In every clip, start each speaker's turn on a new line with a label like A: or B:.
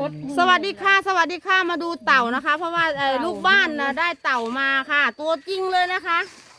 A: สวัสดีค่ะสวัสดีค่ะมาดูเต่านะคะ เพราะว่าลูกบ้านนะได้เต่ามาค่ะ ตัวจริงเลยนะคะ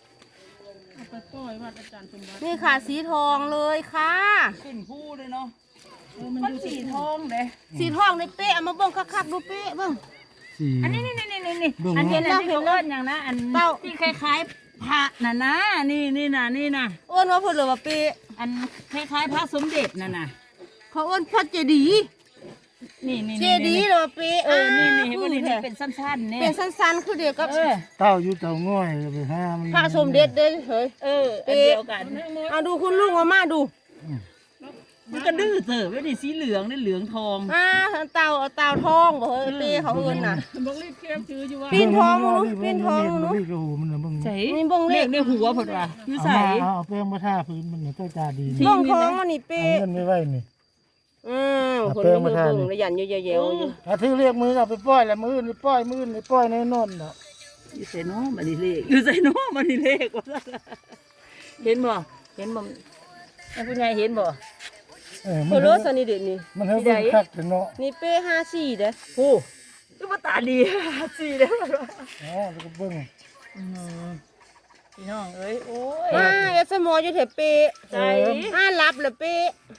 A: นี่ค่ะสีทองเลยค่ะ
B: ขึ้นผู้เลยเนาะมันสีทองเลย
A: สีทองในเป๊ะเอามาเบิ่งคักๆดูเป๊ะเบิ่ง
B: อันนี้อันเห็นแล้วเห็นแล้วอย่างนะอันเต่าที่คล้ายๆพระน่ะนะนี่นะ
A: อ้วนว่าเพิ่นเลยว่าเป๊ะ
B: อันคล้ายๆพระสมเด็จน่ะนะ
A: เขาอ้วนพระเจดีย์
B: นี่
A: เจดีย์เลยว่าเป๊ะ
B: นี่เห็นว่านี่เป็นสั้นๆเนี่ย
A: เป็นสั้นๆคือเดียวกับ
C: เต้าอยู่เต้าง่อยไปห้ามัน
A: พระสมเด็จเด้เฮ้ย
B: อันเดียวกัน
A: เอาดูคุณลุงเอามาดู
B: มันก็ดื้อเถอะไม่ได้สีเหลืองนี่เหลืองทอง
A: เต่าทองบ่เฮ้ยเป๊ะเขาเอิ้นน่ะ
B: บอกรีบเก็บซื้ออยู่ว่า
A: ปีนทองมึงปีนทองมึง
C: นี่ก็หูมันนะมึง
B: ใส่
A: นี่เบิ่ง
B: เล
A: เล
B: ข
A: ข
B: ในหัวผดว่าอยู่
C: เอา
B: ใส่
C: มาเอาแป้งมาทาพื้นมันเนี่ยเจ้าตาดี
A: เบิ่งทองมันนี่เป๊ะ
C: เงินไม่ไหวนี่
A: คนนี้เบิ่งระยันอยู่เยอะๆอยู่
C: อาที่เรียกมือเอาไปปล่อยแล้วมือนี่ปล่อยมือนี่ปล่อยในนนท์เนาะ
B: อยู่ใส่น้อมันนี่เลขอยู่ใส่น้อมันนี่เลขว่าเห็นบ่ไอ้ผู้ใหญ่เห็นบ่
A: โคโรสนี่เด็ดนี่
C: มันให้เบิ่งคักแต่เนาะ
A: นี่เป้54เด้อ
B: โอ้คือว่าตาดีสีเด้อ
C: อ๋อแล้วก็เบิ่ง
B: พี่น้องเอ้ยโอ้ย
A: เอฟมออยู่แถวเป้
B: ใจ
A: รับเหรอเป้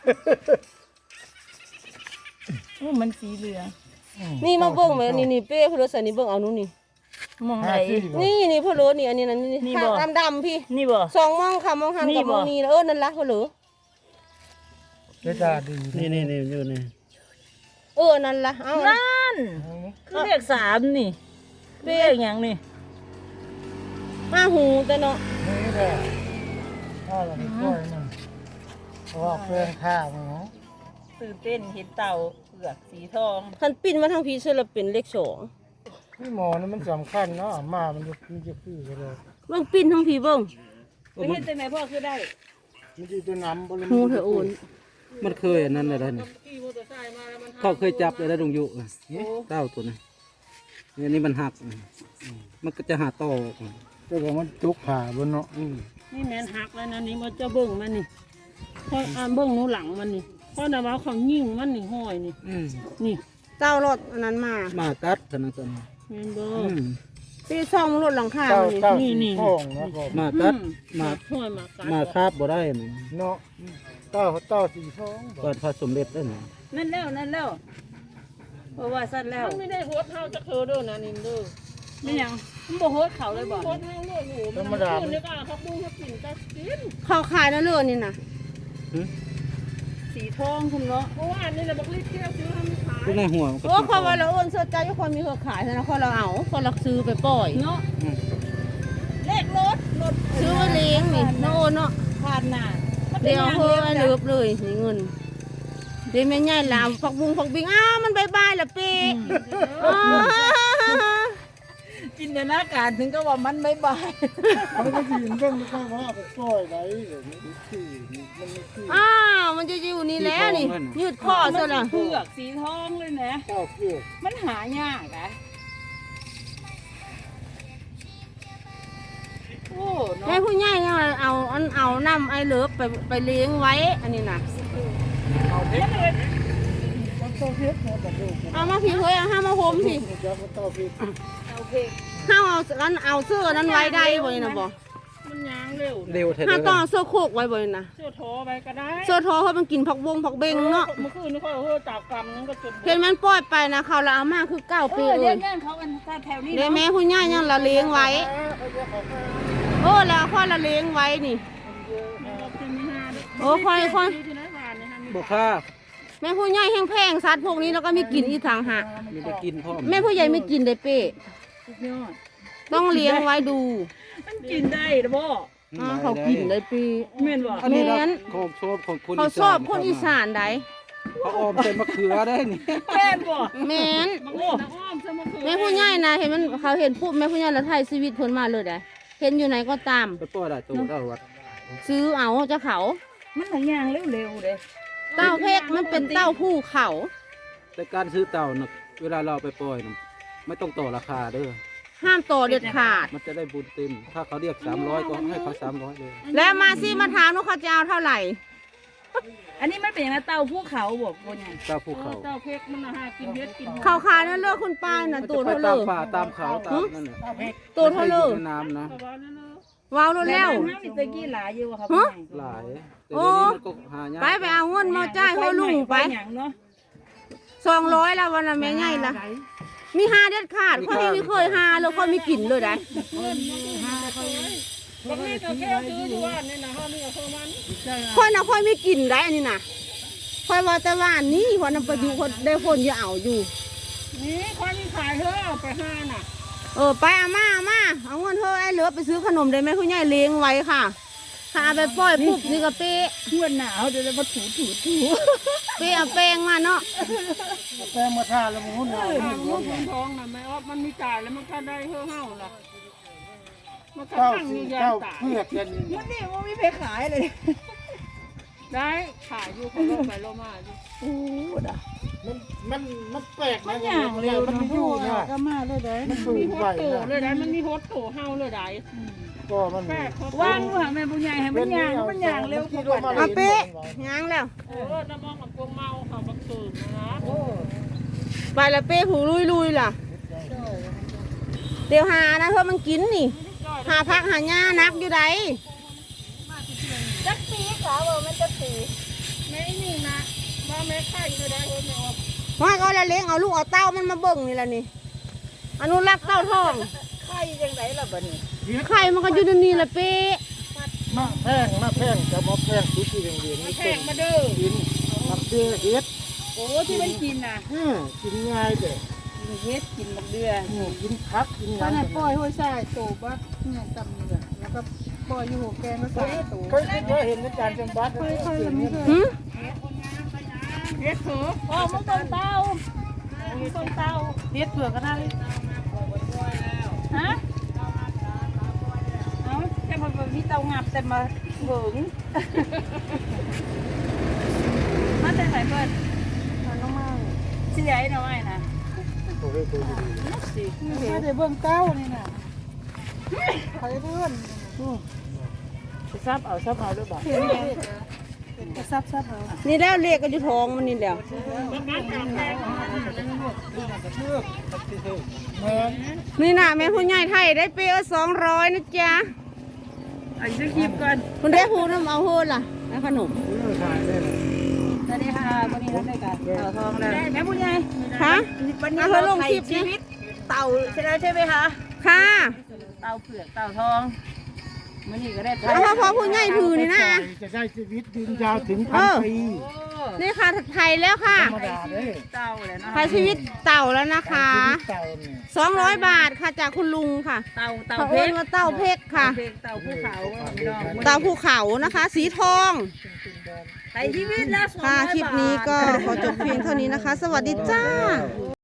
B: มันสีเหลือง
A: นี่มาเบิ่งมั้ยนี่เป้โคโรสนี่เบิ่งเอานู่นนี่
B: มองไหน
A: นี่โคโรนี่อันนี้นั่นนี่ดำๆพี่
B: นี่บ่
A: สองมองค่ะมองหันกับมองนี่นั่นละโคโร
C: เจ้าตาดีนี่อยู่นี่
A: นั่นละเอา
B: นั่นคือเลข3นี่เลขอย่างนี่
A: มาหูแต่เนาะ
C: นี่แหละเอาละไปปล่อยมันเพราะว่าแป้งทามันเนาะ
B: ตื่นเต้นเห็นเต่าเผือกสีทอง
A: คันปิ้นมาทางพี่เสื้อละเป็นเลข2
C: พี่หมอนี่มันสำคัญเนาะมามันจะพี่ก็เลย
A: เบิ่งปิ้นทางพี่เบิ่ง
B: ไปเห็นแต่ไหนพ่อคือได้
C: มันจะตัวน้ำบริ
A: หูเถอะโอน
D: มันเคยอันนั้นอะไรนี่เขาเคยจับเลยได้ดงยุเต้าตัวนี้เนี่ยนี่มันหักมันก็จะหาต่อ
C: แต่ว่ามันจุกผ่าบนเนาะ
B: นี่แม่นหักแล้วนะนี่มันจะเบิ่งมันนี่พอเบิ่งหนูหลังมันนี่พอนะว่าเขายิ่งมันนี่ห้อยนี่นี่
A: เจ้ารถอันนั้นมา
D: มากัดขนาดนั้น
B: แม่นบ่
A: พี่ซ่อมรถหลังคา
C: เต้า
A: นี่
C: เต้าสีทองเนาะ
D: มากัดมา
B: ห้อยมากัด
D: มาคาบบ่ได้นี่
C: เนาะเต้าสีทอง
D: เปิดพระสมเด็จได้นี่
B: นั่นแล้วเพราะว่าสั้นแล้วมันไม่ได้โหดเท่าจะเธอเด้อนะนินเด้อไม่ยังมันบ่โหดเขาเลยบ่โหดเท่าเลยหนู
C: ธรรมดา
B: เนี่ยก็เขาปูเขากินก็กิน
A: เขาขายนั่นเลยนี่นะ
B: สีทองคุณเนาะเพราะว่าอันนี้เราบอกรีบเที่ยวซื้อทำขาย
D: คือในหัวมันก็
A: โอ้คนว่าเราโอนเสื้อใจทุกคนมีเครือขายนะคนเราเอาคนเราซื้อไปปล่อย
B: เนาะเลขรถ
A: ซื้อมาเลี้ยงนี่น้องโอนเนาะ
B: ผ่านหน้า
A: เดี๋ยวเพิ่มเลือบเลยนี่เงินเดี๋ยวแม่ใหญ่ลาวผักบุ้งผักบิงมันบายละปี
B: จินตนาการถึงก็ว่ามันไม่บาย
C: มันก็ยืนเรื่องไม่ค่อยว่าไปปล่อยไหนเดี๋ยวนี้คือมันไม่คือ
A: มันจะอยู่นี่แล้วนี่ยืดคอซะละ
B: เผือกสีทองเลยนะ
C: เต้าเกลือ
B: มันหายากนะโอ้เนาะ
A: แม่ผู้ใหญ่เนี่ยเอาน้ำไอเลิฟไปเลี้ยงไว้อันนี้นะ
C: มันเต้าเพชรนะแต่ดู
A: เอามาพี่เฮ้ยเอามาโฮมพี่
C: มันจะมันเต้าเพชร
B: โอเค
A: ห้าเอาเสื้อนั้นไว้ได้บ่นะบ่
B: มันยางเร็ว
D: เร็วแท้
A: ห้า
D: เลย
A: ต้องเสื้อโคกไว้บ่นะ
B: เสื้อโถไปก็ได้
A: เสื้อทอเพราะมันกินผักบงผักเบงเนาะ
B: เมื่อคืนนี่เขาจับกรรมนั่นก็จน
A: เห็นมันปล่อยไปนะเขาละเอามาคือ9 ปีเล
B: เลี้ย
A: ย
B: งแย่งเขากันแถวนี้
A: เดี๋ยวแม่ผู้ใหญ่ยังละเลี้ยงไว้แล้วค่อยละเลี้ยงไว้นี่ค่อย
D: บ่ค่า
A: แม่ผู้ใหญ่แห้งแพงสัตว์พวกนี้แล้วก็มีกินอีทางหาก
D: มีได้กินพร้อม
A: แม่ผู้ใหญ่ไม่กินได้เป้
B: สุดยอด
A: ต้องเลี้ยงไว้ดู
B: มันกินได้หรือบ่
A: เขากินได้ปี
B: เม่นบ่
D: อันนี้นะของชอบของคน
A: เขาชอบคนอีสานได้
D: เขาออมเป็นมะเขือได้นี่
B: แม่นบ่
A: แม่น
B: โอ้อ้อมซะมาคือ
A: แม่ผู้ใหญ่นะเห็นมันเขาเห็นปุ๊บแม่ผู้ใหญ่ละไทยชีวิตเพิ่นมาเลยได้เห็นอยู่ไหนก็ตาม
D: ไปปล่อยได้ตัวได้วัด
A: ซื้อเอาเจ้าเขา
B: มันหลายอย่างเร็วๆเด้
A: เต้าเพกมันเป็นเต้าผู้เขา
D: แต่การซื้อเต่าน่ะเวลาเราไปปล่อยน่ะไม่ต้องต่อราคาเด้อ
A: ห้ามต่อเด็ดขาด
D: มันจะได้บุญเต็มถ้าเขาเรียก300ก็ให้เขา300เลย
A: แล้วมาสิมาถามว่าเขาจะเอาเท่าไหร่
B: อันนี้มันเป็นอย่างไรเต่าภูเขาบอกว่าไง
D: เต้าภูเขา
B: เต่าเพกมันหากินเฮ็ดกิน
A: เขาขายนั่นเลือกคุณป้าน่ะตัว
D: ไป
A: เท่าเล
D: ตาม
A: ย
D: ป่าตามเขาตามนั่นแหละ
A: ตัวเท่าเลย
D: ในน้ำนะ
A: ว้าวรถแล้ว
B: น้ำนี่ตะกี้หลายอยู่อะครับ
A: ฮะ
D: หลายแต่เดี๋ยวนี้มันก็หายาก
A: ไปเอาเงินมาจ่ายเขาลุงไป
B: อย่างเนาะ
A: 200แล้ววันละแม่ใหญ่ละมี5เด็ดขาดเขาไม่เคยหาเลยเขามีกลิ่นเลยได้
B: บางทีก็แค่ซื้ออยู่ว่านี่นะเขานี่ก็คือมัน
A: ค่อยนะค่อยมีกลิ่นได้อันนี้น่ะค่อยว่าแต่ว่านี่คนนำไปอยู่คนได้คนอย่าเอาอยู่
B: นี่คนที่ขายเธอเอาไปห้าน่ะ
A: ไปเอามาเอาเงินเธอไอ้เหลือไปซื้อขนมได้ไหมคุณยายเลี้ยงไว้ค่ะถ้าเอาไปปล่อยปุ๊บนี่ก็เป๊ะ
B: เมื่อหนาวเดี๋ยวมาถู
A: เป๊ะเอาแป้งมาเนาะ
C: แป้งมาท่าแล้วมึงหุ่นเอา
B: ทางลูกท้องน่ะไม่ออฟมันมีจ่ายแล้วมันก็ได้เห่าล่ะมันก็
C: เจ้า
B: ตั้ง
C: สี
B: มียา
C: เจ้า
B: ตาย
C: เพื่อกกัน
B: มันนี่มันไม่ไปขายเลย ได้ขายอยู่เขาลงไปลงมาอยู่
C: มันแปลกนะมันไม่อยู่นะ
B: ก็มาเลยได้
C: มันสู
B: มี
C: ง
B: โฮ
C: ไป
B: สโต
C: นะ
B: เลยได้มันมีโฮสโตเฮาเลยได้
C: ก็มัน
B: แปะว่างว่ะแม่ผู้ใหญ่ให้มันย่างเร็วกว่า
A: เอาเป๊ะยังแล้ว
B: น้ำมองกับพวงเมาเขาบักตื่นนะ
A: ไปละเป๊ะหูลุยล่ะเดี๋ยวหานะเธอมันกินนี่หาพักหาหญ้านักอยู่ใด
B: จักปีขาว่ามันจะปีไม่นี่นะมาแม่ไข่เลยได้เฮ้ยแม่ออก
A: ว่าก็ละเลี้ยงเอาลูกเอาเต้ามันมาเบิ่งนี่แหละนี่อนุรักษ์เต้าทอง
B: ไข่ยังไงล่ะบัดนี้
A: ไข่มันก็อยู่ในนี่แหละเป๊ะ
C: มาแพงจะมาแพงทุกที่เรียน
B: มา
C: นี่
B: แข่งมาเด้อ
C: กินมาเดือเฮ็ด
B: โอ้ที่มันกินน่ะ
C: กินง่ายเด้อ
B: กินเฮ็ดกินบักเดือ
C: กินพักกิน
B: ตอน
C: งา
B: นั้น
C: น
B: ปล่อยห้วยทรายโตบ่เนี่ยตำนี่แล้วก็ปล่อยอยู่หัวแกงก็ใส่โต
C: เคยเห็นในการจังบัดเคยเห็นนี่
A: หืม
B: เฮ็ดเถอะอ๋อมันต้นเต้าต้นเต้าเฮ็ดเผือกก็ได้ฮะเอาแค่มันมีเตางับแต่มาเหิงมาแต่ไหนเพิ่นน้องมาสิใหญ่หน่อยนะ
C: โอ้ยตัวดี
B: มาแต่เบิ่งเต้านี่น่ะใครเพิ่นซับเอาด้วยบ่ซับเอา
A: นี่แล้วเรียกก็อยู่ท้องมันนี่แล้ว นี่นะแม่ผู้ใหญ่ไทยได้เปย์200นะจ๊ะ
B: อันจะคลิปก่อน
A: คุณได้พูดน้ำเอาโหดล่ะนะขนม
C: ขายได้เลย
B: สวัสดีค่ะวันนี้ทำได้กันเต่าทองแล้วแม่ผู้ใหญ่
A: คะ
B: วันนี้
A: เอา
B: เรา
A: เธอลง
B: ไถ่
A: คลิป
B: ชี
A: นะ
B: วิตเต่าใช่แล้วใช่ไหมคะ
A: ค่ะ
B: เต่าเผือกเต่าทองวันนี้ก็ได้
A: เอาพอผู้ใหญ่ถือนี่นะ
C: จะได้ชีวิตยืนยาวถึง1,000 ปี
A: นี่ค่ะไทยแล้วค่ะ
C: ธรรมดาเลย
B: เต่าเลยนะ
A: ไทยชีวิตเต่าแล้วนะคะ
C: เต่าเนี่ย
A: 200 บาทค่ะจากคุณลุงค่ะ
B: เต่า
A: เขา
B: เพ
A: เอิ้
B: ช
A: น
B: ร
A: ว่าเต่าเพกค่ะ
B: เต่าภูเขาพี่น้อง
A: เต่าภูเขานะคะ สีทอง
B: ไถ่ชีวิตแล้ว
A: ค่ะ คลิปนี้ก็ขอจบเพียงเท่านี้นะคะ สวัสดีจ้า